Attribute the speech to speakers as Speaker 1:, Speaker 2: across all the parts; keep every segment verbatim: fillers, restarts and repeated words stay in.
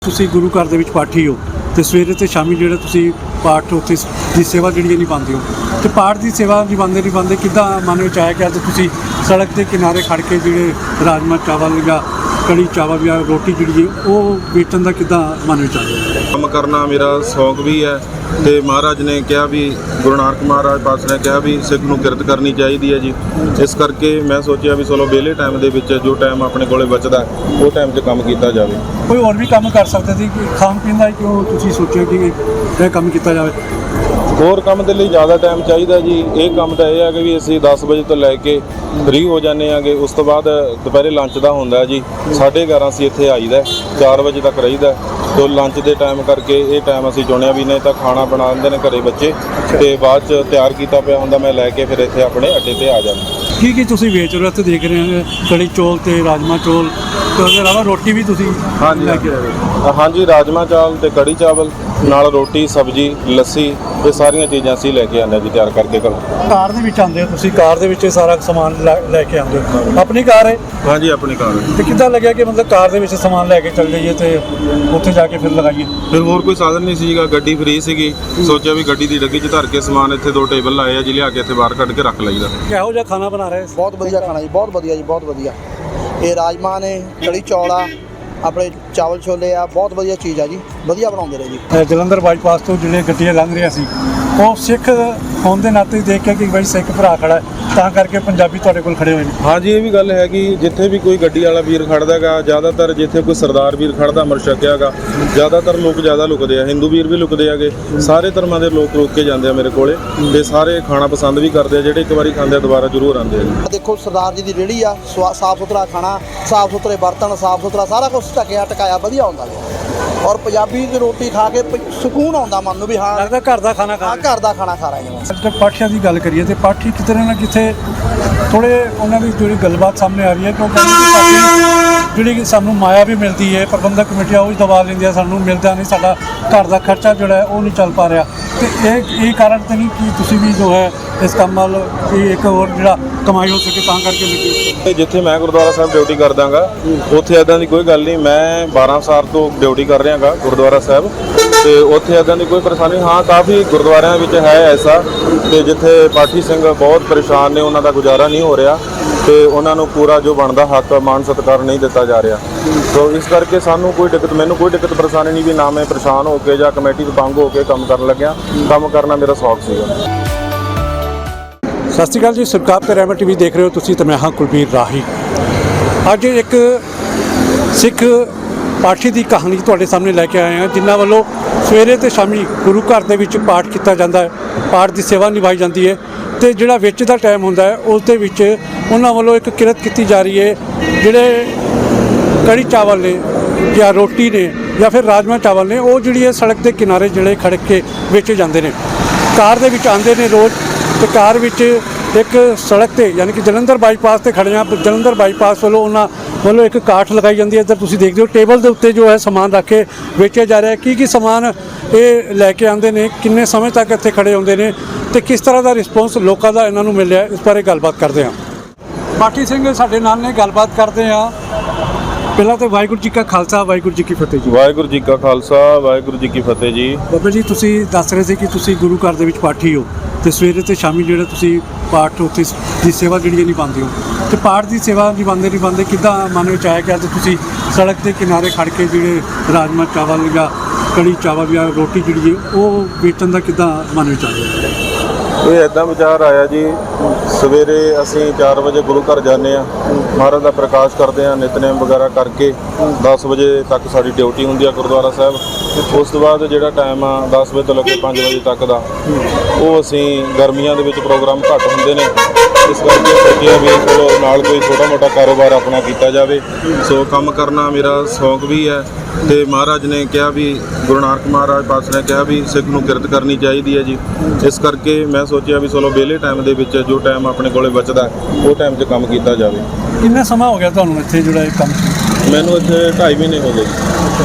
Speaker 1: ਤੁਸੀਂ ਗੁਰੂ ਘਰ ਦੇ ਵਿੱਚ ਪਾਠੀ ਹੋ ਤੇ ਸਵੇਰੇ ਤੇ ਸ਼ਾਮੀ ਜਿਹੜਾ ਤੁਸੀਂ ਪਾਠ ਉੱਥੇ ਦੀ ਸੇਵਾ ਜਿਹੜੀ ਨਹੀਂ ਪਾਉਂਦੇ ਹੋ ਤੇ ਪਾਠ ਦੀ ਸੇਵਾ ਨਿਭਾਉਂਦੇ ਨਿਭਾਉਂਦੇ ਕਿੱਦਾਂ ਮਨ ਵਿੱਚ ਆਇਆ ਕਿ ਅੱਜ ਤੁਸੀਂ ਸੜਕ ਦੇ ਕਿਨਾਰੇ ਖੜ ਕੇ ਜਿਹੜੇ ਰਾਜਮਾ ਚਾਵਲ ਜਾਂ ਕੜੀ ਚਾਵਲ ਜਾਂ ਰੋਟੀ ਜਿਹੜੀ ਹੈ ਉਹ ਵੇਚਣ ਦਾ ਕਿੱਦਾਂ ਮਨ ਵਿੱਚ ਆਇਆ?
Speaker 2: ਕੰਮ ਕਰਨਾ ਮੇਰਾ ਸ਼ੌਂਕ ਵੀ ਹੈ ਤੇ ਮਹਾਰਾਜ ਨੇ ਕਿਹਾ ਵੀ ਗੁਰੂ ਨਾਨਕ ਮਹਾਰਾਜ ਪਾਤਸ਼ਾਹ ਨੇ ਕਿਹਾ ਵੀ ਸਿੱਖ ਨੂੰ ਕਿਰਤ ਕਰਨੀ ਚਾਹੀਦੀ ਹੈ ਜੀ। ਇਸ ਕਰਕੇ ਮੈਂ ਸੋਚਿਆ ਵੀ ਚਲੋ ਵਿਹਲੇ ਟਾਈਮ ਦੇ ਵਿੱਚ ਜੋ ਟਾਈਮ ਆਪਣੇ ਕੋਲੇ ਬਚਦਾ ਉਹ ਟਾਈਮ 'ਚ ਕੰਮ ਕੀਤਾ ਜਾਵੇ।
Speaker 1: ਕੋਈ ਹੋਰ ਵੀ ਕੰਮ ਕਰ ਸਕਦੇ ਸੀ ਕਿ ਖਾਣ ਪੀਣ ਦਾ ਕਿਉਂ ਤੁਸੀਂ ਸੋਚਿਆ ਕਿ ਇਹ ਕੰਮ ਕੀਤਾ ਜਾਵੇ?
Speaker 2: ਹੋਰ ਕੰਮ ਦੇ ਲਈ ਜ਼ਿਆਦਾ ਟਾਈਮ ਚਾਹੀਦਾ ਜੀ। ਇਹ ਕੰਮ ਤਾਂ ਇਹ ਹੈ ਕਿ ਵੀ ਅਸੀਂ ਦਸ ਵਜੇ ਤੋਂ ਲੈ ਕੇ ਫ੍ਰੀ ਹੋ ਜਾਂਦੇ ਆਂਗੇ। ਉਸ ਤੋਂ ਬਾਅਦ ਦੁਪਹਿਰੇ ਲੰਚ ਦਾ ਹੁੰਦਾ ਜੀ, ਸਾਢੇ ਗਿਆਰਾਂ ਅਸੀਂ ਇੱਥੇ ਆਈਦਾ, ਚਾਰ ਵਜੇ ਤੱਕ ਰਹੀਦਾ। ਤੋਂ ਲੰਚ ਦੇ ਟਾਈਮ ਕਰਕੇ ਇਹ ਟਾਈਮ ਅਸੀਂ ਚੁਣਿਆ ਵੀ ਨਹੀਂ ਤਾਂ ਖਾਣਾ ਬਣਾ ਦਿੰਦੇ ਨੇ ਘਰੇ ਬੱਚੇ ਤੇ ਬਾਅਦ 'ਚ ਤਿਆਰ ਕੀਤਾ ਪਿਆ ਹੁੰਦਾ ਮੈਂ ਲੈ ਕੇ ਫਿਰ ਇੱਥੇ ਆਪਣੇ ਅੱਡੇ 'ਤੇ ਆ ਜਾਂਦਾ।
Speaker 1: ਕੀ ਕੀ ਤੁਸੀਂ ਵੇਚ ਰਹੇ ਹੋ ਇੱਥੇ ਦੇਖ ਰਹੇ ਹੋ? ਕੜੀ ਚੌਲ ਤੇ ਰਾਜਮਾ ਚੌਲ ਤੇ ਉਹਦੇ ਇਲਾਵਾ ਰੋਟੀ ਵੀ ਤੁਸੀਂ
Speaker 2: ਹਾਂਜੀ
Speaker 1: ਲੈ ਕੇ ਆਏ ਹੋ?
Speaker 2: ਹਾਂਜੀ, ਰਾਜਮਾ ਚਾਵਲ ਤੇ ਕੜੀ ਚਾਵਲ ਨਾਲ ਰੋਟੀ ਸਬਜ਼ੀ ਲੱਸੀ ਇਹ ਸਾਰੀਆਂ ਚੀਜ਼ਾਂ ਅਸੀਂ ਲੈ ਕੇ ਆਉਂਦੇ ਜੀ ਤਿਆਰ ਕਰਕੇ ਘਰੋਂ।
Speaker 1: ਕਾਰ ਦੇ ਵਿੱਚ ਆਉਂਦੇ ਹੋ ਤੁਸੀਂ? ਕਾਰ ਦੇ ਵਿੱਚ ਸਾਰਾ ਸਮਾਨ ਲੈ ਲੈ ਕੇ ਆਉਂਦੇ ਹੋ? ਆਪਣੀ ਕਾਰ ਹੈ?
Speaker 2: ਹਾਂਜੀ, ਆਪਣੀ ਕਾਰ ਹੈ।
Speaker 1: ਤੇ ਕਿੱਦਾਂ ਲੱਗਿਆ ਕਿ ਮਤਲਬ ਕਾਰ ਦੇ ਵਿੱਚ ਸਮਾਨ ਲੈ ਕੇ ਚੱਲ ਜਾਈਏ ਤੇ ਉੱਥੇ ਜਾ ਕੇ ਫਿਰ ਲਗਾਈਏ?
Speaker 2: ਫਿਰ ਹੋਰ ਕੋਈ ਸਾਧਨ ਨਹੀਂ ਸੀਗਾ, ਗੱਡੀ ਫ੍ਰੀ ਸੀਗੀ। ਸੋਚਿਆ ਵੀ ਗੱਡੀ ਦੀ ਡੱਗੀ 'ਚ ਧਰ ਕੇ ਸਮਾਨ ਇੱਥੇ ਦੋ ਟੇਬਲ ਲਾਏ ਆ ਜੀ, ਲਿਆ ਕੇ ਇੱਥੇ ਬਾਹਰ ਕੱਢ ਕੇ ਰੱਖ ਲਈਦਾ।
Speaker 1: ਕਿਹੋ ਜਿਹਾ ਖਾਣਾ ਬਣਾ ਰਹੇ?
Speaker 3: ਬਹੁਤ ਵਧੀਆ ਖਾਣਾ ਜੀ, ਬਹੁਤ ਵਧੀਆ ਜੀ, ਬਹੁਤ ਵਧੀਆ। ਇਹ ਰਾਜਮਾ ਨੇ, ਕੜੀ ਚੌਲ ਆ, ਆਪਣੇ ਚਾਵਲ ਛੋਲੇ ਆ, ਬਹੁਤ ਵਧੀਆ ਚੀਜ਼ ਆ ਜੀ, ਵਧੀਆ ਬਣਾਉਂਦੇ ਰਹੇ ਜੀ।
Speaker 1: ਜਲੰਧਰ ਬਾਈਪਾਸ ਤੋਂ ਜਿਹੜੇ ਗੱਡੀਆਂ ਲੰਘ ਰਹੀਆਂ ਸੀ ਉਹ ਸਿੱਖ ਹੋਣ ਦੇ ਨਾਤੇ ਦੇਖ ਕੇ ਕਿ ਬਈ ਸਿੱਖ ਭਰਾ ਖੜਾ ਹੈ ਤਾਂ ਕਰਕੇ ਪੰਜਾਬੀ ਤੁਹਾਡੇ ਕੋਲ ਖੜੇ ਹੋਏ ਨੇ।
Speaker 2: ਹਾਂਜੀ, ਇਹ ਵੀ ਗੱਲ ਹੈ ਕਿ ਜਿੱਥੇ ਵੀ ਕੋਈ ਗੱਡੀ ਵਾਲਾ ਵੀਰ ਖੜਦਾ ਹੈਗਾ, ਜ਼ਿਆਦਾਤਰ ਜਿੱਥੇ ਕੋਈ ਸਰਦਾਰ ਵੀਰ ਖੜਦਾ ਅਮਰ ਛਕਿਆ ਹੈਗਾ, ਜ਼ਿਆਦਾਤਰ ਲੋਕ ਜ਼ਿਆਦਾ ਲੁਕਦੇ ਆ, ਹਿੰਦੂ ਵੀਰ ਵੀ ਲੁਕਦੇ ਹੈਗੇ, ਸਾਰੇ ਧਰਮਾਂ ਦੇ ਲੋਕ ਰੁਕ ਕੇ ਜਾਂਦੇ ਆ ਮੇਰੇ ਕੋਲੇ ਤੇ ਸਾਰੇ ਖਾਣਾ ਪਸੰਦ ਵੀ ਕਰਦੇ ਆ। ਜਿਹੜੇ ਇੱਕ ਵਾਰੀ ਖਾਂਦੇ ਆ ਦੁਬਾਰਾ ਜ਼ਰੂਰ ਆਉਂਦੇ ਆ ਜੀ।
Speaker 3: ਦੇਖੋ ਸਰਦਾਰ ਜੀ ਦੀ ਰੇਹੜੀ ਆ, ਸਾਫ ਸੁਥਰਾ ਖਾਣਾ, ਸਾਫ ਸੁਥਰੇ ਬਰਤਨ, ਸਾਫ ਸੁਥਰਾ ਸਾਰਾ ਕੁਝ ਢੱਕਿਆ ਟਕਾਇਆ ਵਧੀਆ ਹੁੰਦਾ ਜੀ। ਔਰ ਪੰਜਾਬੀ ਦੀ ਰੋਟੀ ਖਾ ਕੇ ਪ- ਸਕੂਨ ਆਉਂਦਾ ਮਨ ਨੂੰ ਵੀ ਹਾਂ
Speaker 1: ਲੱਗਦਾ ਘਰ ਦਾ ਖਾਣਾ ਖਾ
Speaker 3: ਹਾਂ ਘਰ ਦਾ ਖਾਣਾ ਖਾ ਰਹੇ ਹਾਂ।
Speaker 1: ਅੱਜ ਪਾਠੀਆਂ ਦੀ ਗੱਲ ਕਰੀਏ ਤੇ ਪਾਠੀ ਕਿਤੇ ਨਾ ਕਿਤੇ ਥੋੜੇ ਉਹਨਾਂ ਦੀ ਜਿਹੜੀ ਗੱਲਬਾਤ ਸਾਹਮਣੇ ਆ ਰਹੀ ਹੈ ਕਿਉਂਕਿ ਸਾਡੀ ਜਿਹੜੀ ਕਿ ਸਾਨੂੰ ਮਾਇਆ ਵੀ ਮਿਲਦੀ ਹੈ, ਪ੍ਰਬੰਧਕ ਕਮੇਟੀਆਂ ਉਹ ਵੀ ਦਬਾ ਲੈਂਦੀਆਂ, ਸਾਨੂੰ ਮਿਲਦਾ ਨਹੀਂ, ਸਾਡਾ ਘਰ ਦਾ ਖਰਚਾ ਜਿਹੜਾ ਹੈ ਉਹ ਨਹੀਂ ਚੱਲ ਪਾ ਰਿਹਾ। ਤੇ ਇਹ ਇਹ ਕਾਰਨ ਤਾਂ ਨਹੀਂ ਕਿ ਤੁਸੀਂ ਵੀ ਜੋ ਹੈ ਇਸ ਕੰਮ ਵੱਲ ਕਿ ਇੱਕ ਹੋਰ ਜਿਹੜਾ ਕਮਾਈ ਹੋ ਸਕੇ ਤਾਂ ਕਰਕੇ ਲੱਗੇ?
Speaker 2: ਜਿੱਥੇ ਮੈਂ ਗੁਰਦੁਆਰਾ ਸਾਹਿਬ ਡਿਊਟੀ ਕਰਦਾਗਾ ਉੱਥੇ ਇੱਦਾਂ ਦੀ ਕੋਈ ਗੱਲ ਨਹੀਂ। ਮੈਂ ਬਾਰਾਂ ਸਾਲ ਤੋਂ ਡਿਊਟੀ ਕਰ ਰਿਹਾ ਗਾ ਗੁਰਦੁਆਰਾ ਸਾਹਿਬ ਤੇ ਉੱਥੇ ਇੱਦਾਂ ਦੀ ਕੋਈ ਪਰੇਸ਼ਾਨੀ ਹਾਂ ਕਾਫੀ ਗੁਰਦੁਆਰਿਆਂ ਵਿੱਚ ਹੈ ਐਸਾ ਤੇ ਜਿੱਥੇ ਪਾਠੀ ਸਿੰਘ ਬਹੁਤ ਪਰੇਸ਼ਾਨ ਨੇ, ਉਹਨਾਂ ਦਾ ਗੁਜ਼ਾਰਾ ਨਹੀਂ ਹੋ ਰਿਹਾ ਤੇ ਉਹਨਾਂ ਨੂੰ ਪੂਰਾ ਜੋ ਬਣਦਾ ਹੱਕ ਮਾਣ ਸਤਿਕਾਰ ਨਹੀਂ ਦਿੱਤਾ ਜਾ ਰਿਹਾ। ਸੋ ਇਸ ਕਰਕੇ ਸਾਨੂੰ ਕੋਈ ਦਿੱਕਤ ਮੈਨੂੰ ਕੋਈ ਦਿੱਕਤ ਪਰੇਸ਼ਾਨੀ ਨਹੀਂ ਵੀ ਨਾ ਮੈਂ ਪਰੇਸ਼ਾਨ ਹੋ ਕੇ ਜਾਂ ਕਮੇਟੀ ਤੋਂ ਤੰਗ ਹੋ ਕੇ ਕੰਮ ਕਰਨ ਲੱਗਿਆ। ਕੰਮ ਕਰਨਾ ਮੇਰਾ ਸ਼ੌਕ ਸੀਗਾ।
Speaker 1: ਸਤਿ ਸ਼੍ਰੀ ਅਕਾਲ ਜੀ, ਸਰਕਾਰ ਤੇ ਰਹਿਮਤ ਟੀਵੀ ਦੇਖ ਰਹੇ ਹੋ ਤੁਸੀਂ ਤੇ ਮੈਂ ਹਾਂ ਕੁਲਬੀਰ ਰਾਹੀ। ਅੱਜ ਇੱਕ ਸਿੱਖ ਪਾਠੀ ਦੀ ਕਹਾਣੀ ਤੁਹਾਡੇ ਸਾਹਮਣੇ ਲੈ ਕੇ ਆਏ ਹਾਂ ਜਿਨ੍ਹਾਂ ਵੱਲੋਂ ਸਵੇਰੇ ਤੇ ਸ਼ਾਮੀ ਗੁਰੂ ਘਰ ਦੇ ਵਿੱਚ ਪਾਠ ਕੀਤਾ ਜਾਂਦਾ ਹੈ, ਪਾਠ ਦੀ ਸੇਵਾ ਨਿਭਾਈ ਜਾਂਦੀ ਹੈ ਤੇ ਜਿਹੜਾ ਵਿੱਚ ਦਾ ਟਾਈਮ ਹੁੰਦਾ ਹੈ ਉਸ ਦੇ ਵਿੱਚ ਉਹਨਾਂ ਵੱਲੋਂ ਇੱਕ ਕਿਰਤ ਕੀਤੀ ਜਾ ਰਹੀ ਹੈ। ਜਿਹੜੇ ਕੜੀ ਚਾਵਲ ਨੇ ਜਾਂ ਰੋਟੀ ਨੇ ਜਾਂ ਫਿਰ ਰਾਜਮਾ ਚਾਵਲ ਨੇ ਉਹ ਜਿਹੜੀ ਹੈ ਸੜਕ ਦੇ ਕਿਨਾਰੇ ਜਿਹੜੇ ਖੜਕ ਕੇ ਵੇਚੇ ਜਾਂਦੇ ਨੇ। ਕਾਰ ਦੇ ਵਿੱਚ ਆਉਂਦੇ ਨੇ ਰੋਜ਼ ਤੇ ਕਾਰ ਵਿੱਚ ਇੱਕ ਸੜਕ ਤੇ ਯਾਨੀ ਕਿ ਜਲੰਧਰ ਬਾਈਪਾਸ ਤੇ ਖੜੇ ਹਾਂ। ਜਲੰਧਰ ਬਾਈਪਾਸ ਵੱਲੋਂ ਉਹਨਾਂ ਵੱਲੋਂ ਇੱਕ ਕਾਠ ਲਗਾਈ ਜਾਂਦੀ ਹੈ। ਇੱਧਰ ਤੁਸੀਂ ਦੇਖਦੇ ਹੋ ਟੇਬਲ ਦੇ ਉੱਤੇ ਜੋ ਹੈ ਸਮਾਨ ਰੱਖ ਕੇ ਵੇਚਿਆ ਜਾ ਰਿਹਾ। ਕੀ ਕੀ ਸਮਾਨ ਇਹ ਲੈ ਕੇ ਆਉਂਦੇ ਨੇ, ਕਿੰਨੇ ਸਮੇਂ ਤੱਕ ਇੱਥੇ ਖੜੇ ਹੁੰਦੇ ਨੇ ਤੇ ਕਿਸ ਤਰ੍ਹਾਂ ਦਾ ਰਿਸਪੌਂਸ ਲੋਕਾਂ ਦਾ ਇਹਨਾਂ ਨੂੰ ਮਿਲਿਆ, ਇਸ ਬਾਰੇ ਗੱਲਬਾਤ ਕਰਦੇ ਹਾਂ। ਪਾਠੀ ਸਿੰਘ ਸਾਡੇ ਨਾਲ ਨੇ, ਗੱਲਬਾਤ ਕਰਦੇ ਹਾਂ। ਪਹਿਲਾਂ ਤਾਂ ਵਾਹਿਗੁਰੂ ਜੀ ਕਾ ਖਾਲਸਾ, ਵਾਹਿਗੁਰੂ ਜੀ ਕੀ ਫਤਿਹ ਜੀ।
Speaker 2: ਵਾਹਿਗੁਰੂ ਜੀ ਕਾ ਖਾਲਸਾ, ਵਾਹਿਗੁਰੂ ਜੀ ਕੀ ਫਤਿਹ ਜੀ।
Speaker 1: ਬਾਬਾ ਜੀ, ਤੁਸੀਂ ਦੱਸ ਰਹੇ ਸੀ ਕਿ ਤੁਸੀਂ ਗੁਰੂ ਘਰ ਦੇ ਵਿੱਚ ਪਾਠੀ ਹੋ ਤੇ ਸਵੇਰੇ ਤੇ ਸ਼ਾਮੀ ਜਿਹੜਾ ਤੁਸੀਂ ਪਾਠ ਉੱਥੇ ਦੀ ਸੇਵਾ ਜਿਹੜੀ ਨਹੀਂ ਪਾਉਂਦੇ ਹੋ ਤੇ ਪਾਠ ਦੀ ਸੇਵਾ ਨਿਭਾਉਂਦੇ ਨਿਭਾਉਂਦੇ ਕਿੱਦਾਂ ਮਨ ਵਿੱਚ ਆਇਆ ਕਿ ਅੱਜ ਤੁਸੀਂ ਸੜਕ ਦੇ ਕਿਨਾਰੇ ਖੜ ਕੇ ਜਿਹੜੇ ਰਾਜਮਾ ਚਾਵਲ ਜਾਂ ਕੜੀ ਚਾਵਲ ਜਾਂ ਰੋਟੀ ਜਿਹੜੀ ਹੈ ਉਹ ਵੇਚਣ ਦਾ ਕਿੱਦਾਂ ਮਨ ਵਿੱਚ ਆਇਆ?
Speaker 2: ਇਹ ਇੱਦਾਂ ਵਿਚਾਰ ਆਇਆ ਜੀ, ਸਵੇਰੇ ਅਸੀਂ ਚਾਰ ਵਜੇ ਗੁਰੂ ਘਰ ਜਾਂਦੇ ਹਾਂ, ਮਹਾਰਾਜ ਦਾ ਪ੍ਰਕਾਸ਼ ਕਰਦੇ ਹਾਂ, ਨਿਤਨੇਮ ਵਗੈਰਾ ਕਰਕੇ ਦਸ ਵਜੇ ਤੱਕ ਸਾਡੀ ਡਿਊਟੀ ਹੁੰਦੀ ਆ ਗੁਰਦੁਆਰਾ ਸਾਹਿਬ। ਉਸ ਤੋਂ ਬਾਅਦ ਜਿਹੜਾ ਟਾਈਮ ਆ ਦਸ ਵਜੇ ਤੋਂ ਲੈ ਕੇ ਪੰਜ ਵਜੇ ਤੱਕ ਦਾ ਉਹ ਅਸੀਂ ਗਰਮੀਆਂ ਦੇ ਵਿੱਚ ਪ੍ਰੋਗਰਾਮ ਘੱਟ ਹੁੰਦੇ ਨੇ, ਇਸ ਕਰਕੇ ਸੋਚਿਆ ਵੀ ਚਲੋ ਨਾਲ ਕੋਈ ਛੋਟਾ ਮੋਟਾ ਕਾਰੋਬਾਰ ਆਪਣਾ ਕੀਤਾ ਜਾਵੇ। ਸੋ ਕੰਮ ਕਰਨਾ ਮੇਰਾ ਸ਼ੌਂਕ ਵੀ ਹੈ ਤੇ ਮਹਾਰਾਜ ਨੇ ਕਿਹਾ ਵੀ ਗੁਰੂ ਨਾਨਕ ਮਹਾਰਾਜ ਪਾਤਸ਼ਾਹ ਨੇ ਕਿਹਾ ਵੀ ਸਿੱਖ ਨੂੰ ਕਿਰਤ ਕਰਨੀ ਚਾਹੀਦੀ ਹੈ ਜੀ। ਇਸ ਕਰਕੇ ਮੈਂ ਸੋਚਿਆ ਵੀ ਚਲੋ ਵਿਹਲੇ ਟਾਈਮ ਦੇ ਵਿੱਚ ਜੋ ਟਾਈਮ ਆਪਣੇ ਕੋਲੇ ਬਚਦਾ ਉਹ ਟਾਈਮ 'ਚ ਕੰਮ ਕੀਤਾ ਜਾਵੇ।
Speaker 1: ਕਿੰਨਾ ਸਮਾਂ ਹੋ ਗਿਆ ਤੁਹਾਨੂੰ ਇੱਥੇ ਜਿਹੜਾ ਇਹ ਕੰਮ?
Speaker 2: ਮੈਨੂੰ ਇੱਥੇ ਢਾਈ ਮਹੀਨੇ ਹੋ ਗਏ ਜੀ।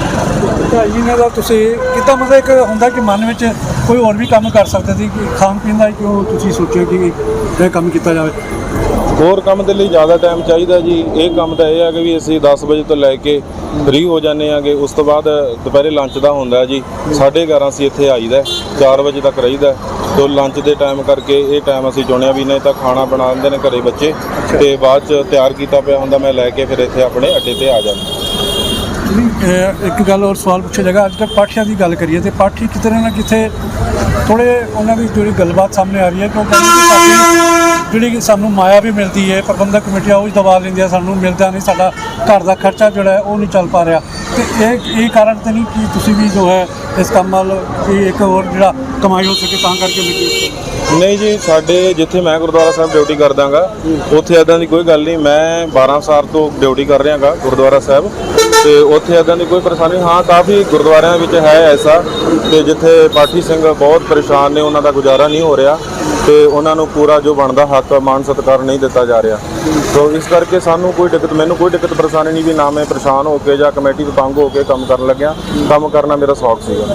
Speaker 1: ਢਾਈ ਮਹੀਨੇ ਦਾ ਤੁਸੀਂ ਕਿੱਦਾਂ ਮਤਲਬ ਇੱਕ ਹੁੰਦਾ ਕਿ ਮਨ ਵਿੱਚ ਕੋਈ ਹੋਰ ਵੀ ਕੰਮ ਕਰ ਸਕਦੇ ਸੀ ਕਿ ਖਾਣ ਪੀਣ ਦਾ ਕਿਉਂ ਤੁਸੀਂ ਸੋਚਿਆ ਕਿ ਇਹ ਕੰਮ ਕੀਤਾ ਜਾਵੇ?
Speaker 2: ਹੋਰ ਕੰਮ ਦੇ ਲਈ ਜ਼ਿਆਦਾ ਟਾਈਮ ਚਾਹੀਦਾ ਜੀ। ਇਹ ਕੰਮ ਤਾਂ ਇਹ ਹੈ ਕਿ ਵੀ ਅਸੀਂ ਦਸ ਵਜੇ ਤੋਂ ਲੈ ਕੇ ਫ੍ਰੀ ਹੋ ਜਾਂਦੇ ਆਂਗੇ। ਉਸ ਤੋਂ ਬਾਅਦ ਦੁਪਹਿਰੇ ਲੰਚ ਦਾ ਹੁੰਦਾ ਜੀ, ਸਾਢੇ ਗਿਆਰਾਂ ਅਸੀਂ ਇੱਥੇ ਆਈਦਾ, ਚਾਰ ਵਜੇ ਤੱਕ ਰਹੀਦਾ। ਤੋ ਲੰਚ ਦੇ ਟਾਈਮ ਕਰਕੇ ਇਹ ਟਾਈਮ ਅਸੀਂ ਚੁਣਿਆ ਵੀ ਨਹੀਂ ਤਾਂ ਖਾਣਾ ਬਣਾ ਦਿੰਦੇ ਨੇ ਘਰੇ ਬੱਚੇ, ਤੇ ਬਾਅਦ ਚ ਤਿਆਰ ਕੀਤਾ ਪਿਆ ਹੁੰਦਾ ਮੈਂ ਲੈ ਕੇ ਫਿਰ ਇੱਥੇ ਆਪਣੇ ਅੱਡੇ ਤੇ ਆ ਜਾਂਦਾ।
Speaker 1: ਇਹ ਇੱਕ ਗੱਲ ਹੋਰ ਸਵਾਲ ਪੁੱਛਿਆ ਜਾਏਗਾ, ਅੱਜ ਕੱਲ੍ਹ ਪਾਠੀਆਂ ਦੀ ਗੱਲ ਕਰੀਏ ਤੇ ਪਾਠੀ ਕਿਤੇ ਨਾ ਕਿਤੇ ਥੋੜ੍ਹੇ ਉਹਨਾਂ ਦੀ ਜਿਹੜੀ ਗੱਲਬਾਤ ਸਾਹਮਣੇ ਆ ਰਹੀ ਹੈ, ਕਿਉਂਕਿ ਸਾਡੀ ਜਿਹੜੀ ਕਿ ਸਾਨੂੰ ਮਾਇਆ ਵੀ ਮਿਲਦੀ ਹੈ, ਪ੍ਰਬੰਧਕ ਕਮੇਟੀਆਂ ਉਹ ਹੀ ਦਬਾ ਲੈਂਦੀਆਂ, ਸਾਨੂੰ ਮਿਲਦਾ ਨਹੀਂ, ਸਾਡਾ ਘਰ ਦਾ ਖਰਚਾ ਜਿਹੜਾ ਹੈ ਉਹ ਨਹੀਂ ਚੱਲ ਪਾ ਰਿਹਾ। ਤੇ ਇਹ ਇਹ ਕਾਰਨ ਤਾਂ ਨਹੀਂ ਕਿ ਤੁਸੀਂ ਵੀ ਜੋ ਹੈ ਇਸ ਕੰਮ ਵੱਲ ਕਿ ਇੱਕ ਹੋਰ ਜਿਹੜਾ ਕਮਾਈ ਹੋ ਸਕੇ ਤਾਂ ਕਰਕੇ ਲੱਗੇ?
Speaker 2: ਨਹੀਂ ਜੀ, ਸਾਡੇ ਜਿੱਥੇ ਮੈਂ ਗੁਰਦੁਆਰਾ ਸਾਹਿਬ ਡਿਊਟੀ ਕਰਦਾਗਾ ਉੱਥੇ ਇੱਦਾਂ ਦੀ ਕੋਈ ਗੱਲ ਨਹੀਂ। ਮੈਂ ਬਾਰਾਂ ਸਾਲ ਤੋਂ ਡਿਊਟੀ ਕਰ ਰਿਹਾ ਗਾ ਗੁਰਦੁਆਰਾ ਸਾਹਿਬ, ਤੇ ਉੱਥੇ ਇੱਦਾਂ ਦੀ ਕੋਈ ਪਰੇਸ਼ਾਨੀ। ਹਾਂ, ਕਾਫੀ ਗੁਰਦੁਆਰਿਆਂ ਵਿੱਚ ਹੈ ਐਸਾ ਕਿ ਜਿੱਥੇ ਪਾਠੀ ਸਿੰਘ ਬਹੁਤ ਪਰੇਸ਼ਾਨ ਨੇ, ਉਹਨਾਂ ਦਾ ਗੁਜ਼ਾਰਾ ਨਹੀਂ ਹੋ ਰਿਹਾ ਤੇ ਉਹਨਾਂ ਨੂੰ ਪੂਰਾ ਜੋ ਬਣਦਾ ਹੱਕ ਮਾਨ ਸਤਿਕਾਰ ਨਹੀਂ ਦਿੱਤਾ ਜਾ ਰਿਹਾ। ਸੋ ਇਸ ਕਰਕੇ ਸਾਨੂੰ ਕੋਈ ਦਿੱਕਤ ਮੈਨੂੰ ਕੋਈ ਦਿੱਕਤ ਪਰੇਸ਼ਾਨੀ ਨਹੀਂ ਵੀ ਨਾ ਮੈਂ ਪਰੇਸ਼ਾਨ ਹੋ ਕੇ ਜਾਂ ਕਮੇਟੀ ਤੋਂ ਤੰਗ ਹੋ ਕੇ ਕੰਮ ਕਰਨ ਲੱਗਿਆ। ਕੰਮ ਕਰਨਾ ਮੇਰਾ ਸ਼ੌਕ ਸੀਗਾ।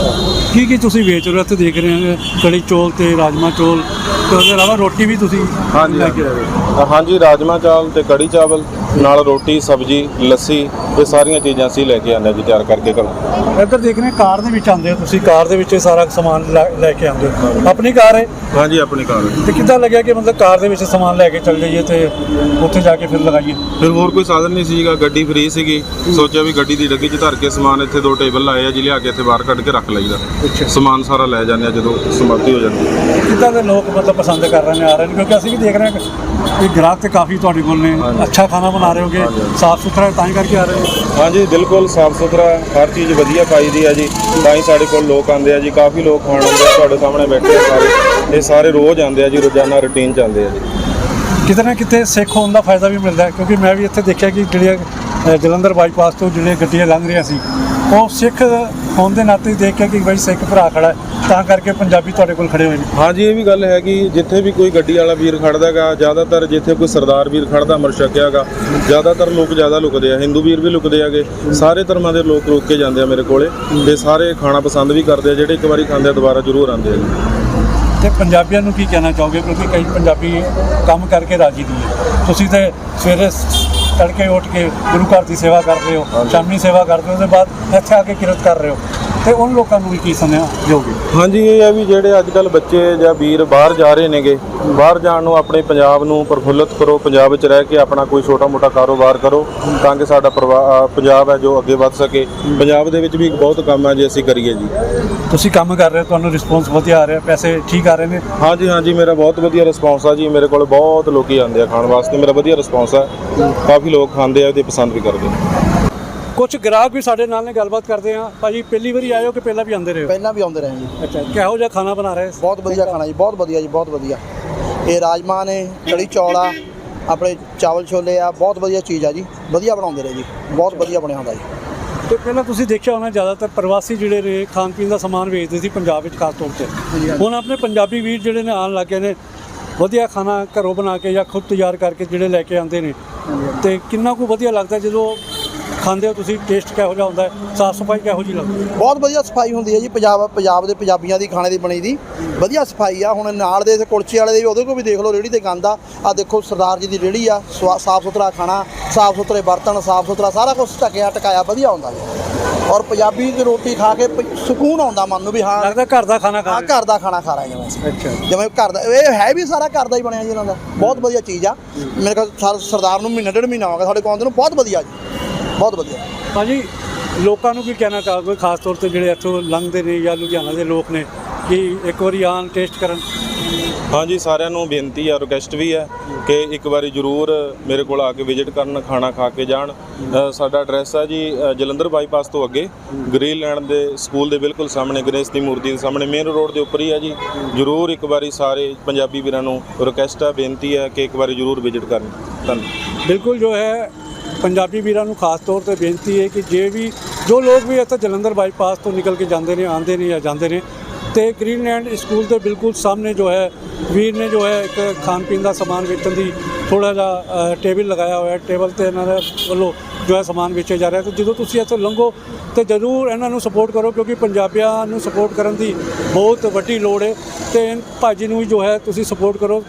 Speaker 1: ਕੀ ਕੀ ਤੁਸੀਂ ਵੇਚ ਰਹੇ ਹੋ ਇੱਥੇ ਦੇਖ ਰਹੇ ਹਾਂ, ਕੜੀ ਚੌਲ ਤੇ ਰਾਜਮਾ ਚੌਲ ਤੇ ਉਹਦੇ ਇਲਾਵਾ ਰੋਟੀ ਵੀ ਤੁਸੀਂ
Speaker 2: ਹਾਂਜੀ
Speaker 1: ਲੈ ਕੇ ਆਏ ਹੋ?
Speaker 2: ਹਾਂਜੀ, ਰਾਜਮਾ ਚਾਵਲ ਤੇ ਕੜੀ ਚਾਵਲ ਨਾਲ ਰੋਟੀ ਸਬਜ਼ੀ ਲੱਸੀ ਇਹ ਸਾਰੀਆਂ ਚੀਜ਼ਾਂ ਅਸੀਂ ਲੈ ਕੇ ਆਉਂਦੇ ਜੀ ਤਿਆਰ ਕਰਕੇ ਘਰੋਂ।
Speaker 1: ਇੱਧਰ ਦੇਖ ਰਹੇ ਕਾਰ ਦੇ ਵਿੱਚ ਆਉਂਦੇ ਹੋ ਤੁਸੀਂ, ਕਾਰ ਦੇ ਵਿੱਚ ਇਹ ਸਾਰਾ ਸਮਾਨ ਲੈ ਲੈ ਕੇ ਆਉਂਦੇ ਹੋ? ਆਪਣੀ ਕਾਰ ਹੈ?
Speaker 2: ਹਾਂਜੀ, ਆਪਣੀ ਕਾਰ ਹੈ।
Speaker 1: ਤੇ ਕਿੱਦਾਂ ਲੱਗਿਆ ਕਿ ਮਤਲਬ ਕਾਰ ਦੇ ਵਿੱਚ ਸਮਾਨ ਲੈ ਕੇ ਚੱਲ ਜਾਈਏ ਤੇ ਉੱਥੇ ਜਾ ਕੇ ਫਿਰ ਲਗਾਈਏ?
Speaker 2: ਫਿਰ ਹੋਰ ਕੋਈ ਸਾਧਨ ਨਹੀਂ ਸੀਗਾ, ਗੱਡੀ ਫ੍ਰੀ ਸੀਗੀ, ਸੋਚਿਆ ਵੀ ਗੱਡੀ ਦੀ ਡੱਗੀ 'ਚ ਧਰ ਕੇ ਸਮਾਨ ਇੱਥੇ ਦੋ ਟੇਬਲ ਲਾਏ ਆ ਜੀ, ਲਿਆ ਕੇ ਇੱਥੇ ਬਾਹਰ ਕੱਢ ਕੇ ਰੱਖ ਲਈਦਾ।
Speaker 1: ਅੱਛਾ,
Speaker 2: ਸਮਾਨ ਸਾਰਾ ਲੈ ਜਾਂਦੇ ਆ ਜਦੋਂ ਸਮਾਪਤੀ ਹੋ ਜਾਂਦੀ ਹੈ।
Speaker 1: ਕਿੱਦਾਂ ਦੇ ਲੋਕ ਮਤਲਬ ਪਸੰਦ ਕਰ ਰਹੇ ਨੇ, ਆ ਰਹੇ ਨੇ? ਕਿਉਂਕਿ ਅਸੀਂ ਵੀ ਦੇਖ ਰਹੇ ਹਾਂ ਕਿ ਗ੍ਰਾਹਕ ਤੇ ਕਾਫੀ ਤੁਹਾਡੇ ਕੋਲ ਨੇ, ਅੱਛਾ ਖਾਣਾ ਬਣਾ ਰਹੇ ਹੋਗੇ, ਸਾਫ ਸੁਥਰਾ ਤਾਂ ਹੀ ਕਰਕੇ ਆ ਰਹੇ ਨੇ।
Speaker 2: ਹਾਂਜੀ, ਬਿਲਕੁਲ ਸਾਫ ਸੁਥਰਾ, ਹਰ ਚੀਜ਼ ਵਧੀਆ ਪਾਈ ਦੀ ਆ ਜੀ, ਤਾਂ ਹੀ ਸਾਡੇ ਕੋਲ ਲੋਕ ਆਉਂਦੇ ਆ ਜੀ। ਕਾਫੀ ਲੋਕ ਖਾਣ ਆਉਂਦੇ ਆ, ਤੁਹਾਡੇ ਸਾਹਮਣੇ ਬੈਠੇ ਆ ਸਾਰੇ, ਇਹ ਸਾਰੇ ਰੋਜ਼ ਆਉਂਦੇ ਆ ਜੀ, ਰੋਜ਼ਾਨਾ ਰੂਟੀਨ ਚੱਲਦੇ ਆ ਜੀ।
Speaker 1: ਕਿਤੇ ਨਾ ਕਿਤੇ ਸਿੱਖ ਹੋਣ ਦਾ ਫਾਇਦਾ ਵੀ ਮਿਲਦਾ ਹੈ, ਕਿਉਂਕਿ ਮੈਂ ਵੀ ਇੱਥੇ ਦੇਖਿਆ ਕਿ ਜਿਹੜੀਆਂ ਅ, ਜਲੰਧਰ ਬਾਈਪਾਸ ਤੋਂ ਜਿਹੜੀਆਂ ਗੱਡੀਆਂ ਲੰਘ ਰਹੀਆਂ ਸੀ, ਉਹ ਸਿੱਖ ਹੋਣ ਦੇ ਨਾਤੇ ਹੀ ਦੇਖ ਕੇ ਕਿ ਬਈ ਸਿੱਖ ਭਰਾ ਖੜਾ ਹੈ, ਤਾਂ ਕਰਕੇ ਪੰਜਾਬੀ ਤੁਹਾਡੇ ਕੋਲ ਖੜੇ ਹੋਏ ਨੇ।
Speaker 2: ਹਾਂਜੀ, ਇਹ ਵੀ ਗੱਲ ਹੈ ਕਿ ਜਿੱਥੇ ਵੀ ਕੋਈ ਗੱਡੀ ਵਾਲਾ ਵੀਰ ਖੜਦਾ ਗਾ, ਜ਼ਿਆਦਾਤਰ ਜਿੱਥੇ ਕੋਈ ਸਰਦਾਰ ਵੀਰ ਖੜਦਾ ਅਮਰ ਛਕਿਆ ਗਾ, ਜ਼ਿਆਦਾਤਰ ਲੋਕ ਜ਼ਿਆਦਾ ਲੁਕਦੇ ਆ, ਹਿੰਦੂ ਵੀਰ ਵੀ ਲੁਕਦੇ ਆਗੇ, ਸਾਰੇ ਧਰਮਾਂ ਦੇ ਲੋਕ ਰੁਕ ਕੇ ਜਾਂਦੇ ਆ ਮੇਰੇ ਕੋਲੇ, ਤੇ ਸਾਰੇ ਖਾਣਾ ਪਸੰਦ ਵੀ ਕਰਦੇ ਆ, ਜਿਹੜੇ ਇੱਕ ਵਾਰੀ ਖਾਂਦੇ ਆ ਦੁਬਾਰਾ ਜ਼ਰੂਰ ਆਉਂਦੇ ਆ ਜੀ।
Speaker 1: ਤੇ ਪੰਜਾਬੀਆਂ ਨੂੰ ਕੀ ਕਹਿਣਾ ਚਾਹੋਗੇ, ਕਿਉਂਕਿ ਕਈ ਪੰਜਾਬੀ ਕੰਮ ਕਰਕੇ ਰਾਜੀ ਨਹੀਂ ਹੈ? ਤੁਸੀਂ ਤੇ ਸਵੇਰੇ ਤੜਕੇ ਉੱਠ ਕੇ ਗੁਰੂ ਘਰ ਦੀ ਸੇਵਾ ਕਰਦੇ ਹੋ, ਸ਼ਾਮੀ ਸੇਵਾ ਕਰਦੇ ਹੋ, ਉਹਦੇ ਬਾਅਦ ਇੱਥੇ ਆ ਕੇ ਕਿਰਤ ਕਰ ਰਹੇ ਹੋ, ਤੇ ਉਹਨਾਂ ਲੋਕਾਂ ਨੂੰ ਵੀ ਕੀ ਸੁਣਿਆ ਦਿਓਗੇ?
Speaker 2: ਹਾਂਜੀ, ਇਹ ਹੈ ਵੀ ਜਿਹੜੇ ਅੱਜ ਕੱਲ੍ਹ ਬੱਚੇ ਜਾਂ ਵੀਰ ਬਾਹਰ ਜਾ ਰਹੇ ਨੇਗੇ, ਬਾਹਰ ਜਾਣ ਨੂੰ ਆਪਣੇ ਪੰਜਾਬ ਨੂੰ ਪ੍ਰਫੁੱਲਤ ਕਰੋ, ਪੰਜਾਬ ਵਿੱਚ ਰਹਿ ਕੇ ਆਪਣਾ ਕੋਈ ਛੋਟਾ ਮੋਟਾ ਕਾਰੋਬਾਰ ਕਰੋ, ਤਾਂ ਕਿ ਸਾਡਾ ਪਰਿਵਾ- ਪੰਜਾਬ ਹੈ ਜੋ ਅੱਗੇ ਵੱਧ ਸਕੇ। ਪੰਜਾਬ ਦੇ ਵਿੱਚ ਵੀ ਬਹੁਤ ਕੰਮ ਹੈ ਜੇ ਅਸੀਂ ਕਰੀਏ ਜੀ।
Speaker 1: ਤੁਸੀਂ ਕੰਮ ਕਰ ਰਹੇ ਹੋ, ਤੁਹਾਨੂੰ ਰਿਸਪੌਂਸ ਵਧੀਆ ਆ ਰਿਹਾ, ਪੈਸੇ ਠੀਕ ਆ ਰਹੇ ਨੇ?
Speaker 2: ਹਾਂਜੀ ਹਾਂਜੀ, ਮੇਰਾ ਬਹੁਤ ਵਧੀਆ ਰਿਸਪੌਂਸ ਆ ਜੀ, ਮੇਰੇ ਕੋਲ ਬਹੁਤ ਲੋਕੀ ਆਉਂਦੇ ਆ ਖਾਣ ਵਾਸਤੇ, ਮੇਰਾ ਵਧੀਆ ਰਿਸਪੌਂਸ ਹੈ, ਕਾਫੀ ਲੋਕ ਖਾਂਦੇ ਆ ਤੇ ਪਸੰਦ ਵੀ ਕਰਦੇ ਨੇ।
Speaker 1: ਕੁਝ ਗ੍ਰਾਹਕ ਵੀ ਸਾਡੇ ਨਾਲ ਨੇ, ਗੱਲਬਾਤ ਕਰਦੇ ਆ। ਭਾਜੀ ਪਹਿਲੀ ਵਾਰੀ ਆਏ ਹੋ ਕਿ ਪਹਿਲਾਂ ਵੀ ਆਉਂਦੇ ਰਹੇ ਹੋ?
Speaker 3: ਪਹਿਲਾਂ ਵੀ ਆਉਂਦੇ ਰਹੇ ਜੀ।
Speaker 1: ਅੱਛਾ, ਕਿਹੋ ਜਿਹਾ ਖਾਣਾ ਬਣਾ ਰਹੇ?
Speaker 3: ਬਹੁਤ ਵਧੀਆ ਖਾਣਾ ਜੀ, ਬਹੁਤ ਵਧੀਆ ਜੀ, ਬਹੁਤ ਵਧੀਆ। ਇਹ ਰਾਜਮਾ ਨੇ, ਕੜੀ ਚੌਲ ਆ, ਆਪਣੇ ਚਾਵਲ ਛੋਲੇ ਆ, ਬਹੁਤ ਵਧੀਆ ਚੀਜ਼ ਆ ਜੀ, ਵਧੀਆ ਬਣਾਉਂਦੇ ਰਹੇ ਜੀ, ਬਹੁਤ ਵਧੀਆ ਬਣਿਆ ਹੁੰਦਾ ਜੀ।
Speaker 1: ਤੇ ਪਹਿਲਾਂ ਤੁਸੀਂ ਦੇਖਿਆ ਹੋਣਾ ਜ਼ਿਆਦਾਤਰ ਪ੍ਰਵਾਸੀ ਜਿਹੜੇ ਨੇ ਖਾਣ ਪੀਣ ਦਾ ਸਮਾਨ ਵੇਚਦੇ ਸੀ ਪੰਜਾਬ ਵਿੱਚ ਖਾਸ ਤੌਰ 'ਤੇ, ਹੁਣ ਆਪਣੇ ਪੰਜਾਬੀ ਵੀਰ ਜਿਹੜੇ ਨੇ ਆਉਣ ਲੱਗ ਗਏ ਨੇ, ਵਧੀਆ ਖਾਣਾ ਘਰੋਂ ਬਣਾ ਕੇ ਜਾਂ ਖੁਦ ਤਿਆਰ ਕਰਕੇ ਜਿਹੜੇ ਲੈ ਕੇ ਆਉਂਦੇ ਨੇ, ਤੇ ਕਿੰਨਾ ਕੁ ਵਧੀਆ ਲੱਗਦਾ ਜਦੋਂ ਖਾਂਦੇ ਹੋ ਤੁਸੀਂ? ਟੇਸਟ ਕਿਹੋ ਜਿਹਾ ਹੁੰਦਾ ਹੈ, ਸਾਫ਼ ਸਫਾਈ ਕਿਹੋ ਜਿਹੀ ਲੱਗਦੀ ਹੈ?
Speaker 3: ਬਹੁਤ ਵਧੀਆ ਸਫਾਈ ਹੁੰਦੀ ਹੈ ਜੀ, ਪੰਜਾਬ ਪੰਜਾਬ ਦੇ ਪੰਜਾਬੀਆਂ ਦੀ ਖਾਣੇ ਦੀ ਬਣੀ ਦੀ ਵਧੀਆ ਸਫਾਈ ਆ। ਹੁਣ ਨਾਲ ਦੇ ਕੁਲਚੇ ਵਾਲੇ ਦੇ ਵੀ, ਉਹਦੇ ਕੋਲ ਵੀ ਦੇਖ ਲਓ ਰੇਹੜੀ ਤੇ ਗੰਦ ਆ, ਆ ਦੇਖੋ ਸਰਦਾਰ ਜੀ ਦੀ ਰੇਹੜੀ ਆ, ਸਾਫ਼ ਸੁਥਰਾ ਖਾਣਾ, ਸਾਫ਼ ਸੁਥਰੇ ਬਰਤਨ, ਸਾਫ਼ ਸੁਥਰਾ ਸਾਰਾ ਕੁਝ ਢੱਕਿਆ ਟਕਾਇਆ ਵਧੀਆ ਹੁੰਦਾ ਜੀ। ਔਰ ਪੰਜਾਬੀ ਦੀ ਰੋਟੀ ਖਾ ਕੇ ਪ- ਸਕੂਨ ਆਉਂਦਾ ਮਨ ਨੂੰ ਵੀ ਹਾਂ
Speaker 1: ਲੱਗਦਾ ਘਰ ਦਾ ਖਾਣਾ ਖਾ
Speaker 3: ਹਾਂ
Speaker 1: ਰਹੇ
Speaker 3: ਘਰ ਦਾ ਖਾਣਾ ਖਾ ਰਹੇ ਜਿਵੇਂ ਅਸੀਂ।
Speaker 1: ਅੱਛਾ,
Speaker 3: ਜਿਵੇਂ ਘਰ ਦਾ, ਇਹ ਹੈ ਵੀ ਸਾਰਾ ਘਰ ਦਾ ਹੀ ਬਣਿਆ ਜੀ ਇਹਨਾਂ ਦਾ, ਬਹੁਤ ਵਧੀਆ ਚੀਜ਼ ਆ। ਮੇਰੇ ਕੋਲ ਸਰ- ਸਰਦਾਰ ਨੂੰ ਮਹੀਨਾ ਡੇਢ ਮਹੀਨਾ ਹੋ ਗਿਆ ਸਾਡੇ ਕੋਲ ਆਉਂਦੇ ਨੂੰ, ਬਹੁਤ ਵਧੀਆ ਜੀ, ਬਹੁਤ ਵਧੀਆ।
Speaker 1: ਭਾਜੀ ਲੋਕਾਂ ਨੂੰ ਕੀ ਕਹਿਣਾ ਚਾਹੋਗੇ, ਖਾਸ ਤੌਰ ਤੇ ਜਿਹੜੇ ਇੱਥੋਂ ਲੰਘਦੇ ਨੇ ਜਾਂ ਲੁਧਿਆਣਾ ਦੇ ਲੋਕ ਨੇ, ਕਿ ਇੱਕ ਵਾਰੀ ਆਉਣ ਟੇਸਟ ਕਰਨ?
Speaker 2: ਹਾਂਜੀ, ਸਾਰਿਆਂ ਨੂੰ ਬੇਨਤੀ ਆ, ਰਿਕੁਐਸਟ ਵੀ ਹੈ ਕਿ ਇੱਕ ਵਾਰੀ ਜ਼ਰੂਰ ਮੇਰੇ ਕੋਲ ਆ ਕੇ ਵਿਜ਼ਿਟ ਕਰਨ, ਖਾਣਾ ਖਾ ਕੇ ਜਾਣ। ਅ, ਸਾਡਾ ਐਡਰੈਸ ਹੈ ਜੀ ਅ, ਜਲੰਧਰ ਬਾਈਪਾਸ ਤੋਂ ਅੱਗੇ ਗ੍ਰੀਨਲੈਂਡ ਦੇ ਸਕੂਲ ਦੇ ਬਿਲਕੁਲ ਸਾਹਮਣੇ, ਗਣੇਸ਼ ਦੀ ਮੂਰਤੀ ਦੇ ਸਾਹਮਣੇ, ਮੇਨ ਰੋਡ ਦੇ ਉੱਪਰ ਹੀ ਹੈ ਜੀ। ਜ਼ਰੂਰ ਇੱਕ ਵਾਰੀ ਸਾਰੇ ਪੰਜਾਬੀ ਵੀਰਾਂ ਨੂੰ ਰਿਕੁਐਸਟ ਹੈ, ਬੇਨਤੀ ਹੈ ਕਿ ਇੱਕ ਵਾਰੀ ਜ਼ਰੂਰ ਵਿਜ਼ਿਟ ਕਰਨ। ਧੰਨਵਾਦ।
Speaker 1: ਬਿਲਕੁਲ, ਜੋ ਹੈ ਪੰਜਾਬੀ ਵੀਰਾਂ ਨੂੰ ਖਾਸ ਤੌਰ ਤੇ ਬੇਨਤੀ ਹੈ ਕਿ ਜੇ ਵੀ ਜੋ ਲੋਕ ਵੀ ਇੱਥੇ ਜਲੰਧਰ ਬਾਈਪਾਸ ਤੋਂ ਨਿਕਲ ਕੇ ਜਾਂਦੇ ਨੇ, ਆਉਂਦੇ ਨੇ ਜਾਂ ਜਾਂਦੇ ਨੇ, ਤੇ ਗ੍ਰੀਨਲੈਂਡ ਸਕੂਲ ਦੇ ਬਿਲਕੁਲ ਸਾਹਮਣੇ ਜੋ ਹੈ ਵੀਰ ਨੇ ਜੋ ਹੈ ਇੱਕ ਖਾਣ ਪੀਣ ਦਾ ਸਮਾਨ ਵੇਚਣ ਦੀ ਥੋੜ੍ਹਾ ਜਿਹਾ ਟੇਬਲ ਲਗਾਇਆ ਹੋਇਆ, ਟੇਬਲ 'ਤੇ ਇਹਨਾਂ ਦੇ ਵੱਲੋਂ ਜੋ ਹੈ ਸਮਾਨ ਵੇਚਿਆ ਜਾ ਰਿਹਾ। ਤੇ ਜਦੋਂ ਤੁਸੀਂ ਇੱਥੋਂ ਲੰਘੋ ਤੇ ਜ਼ਰੂਰ ਇਹਨਾਂ ਨੂੰ ਸਪੋਰਟ ਕਰੋ, ਕਿਉਂਕਿ ਪੰਜਾਬੀਆਂ ਨੂੰ ਸਪੋਰਟ ਕਰਨ ਦੀ ਬਹੁਤ ਵੱਡੀ ਲੋੜ ਹੈ, ਤੇ ਭਾਜੀ ਨੂੰ ਵੀ ਜੋ ਹੈ ਤੁਸੀਂ ਸਪੋਰਟ ਕਰੋ।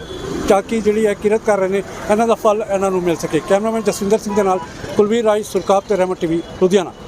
Speaker 1: ਚਾਕੀ ਜਿਹੜੀ ਹੈ ਕਿਰਤ ਕਰ ਰਹੇ ਨੇ, ਇਹਨਾਂ ਦਾ ਫਲ ਇਹਨਾਂ ਨੂੰ ਮਿਲ ਸਕੇ। ਕੈਮਰਾਮੈਨ ਜਸਵਿੰਦਰ ਸਿੰਘ ਦੇ ਨਾਲ ਕੁਲਵੀਰ ਰਾਜ, ਸੁਰਖਾਬ ਤੇ ਰਹਿਮਤ ਟੀਵੀ ਲੁਧਿਆਣਾ।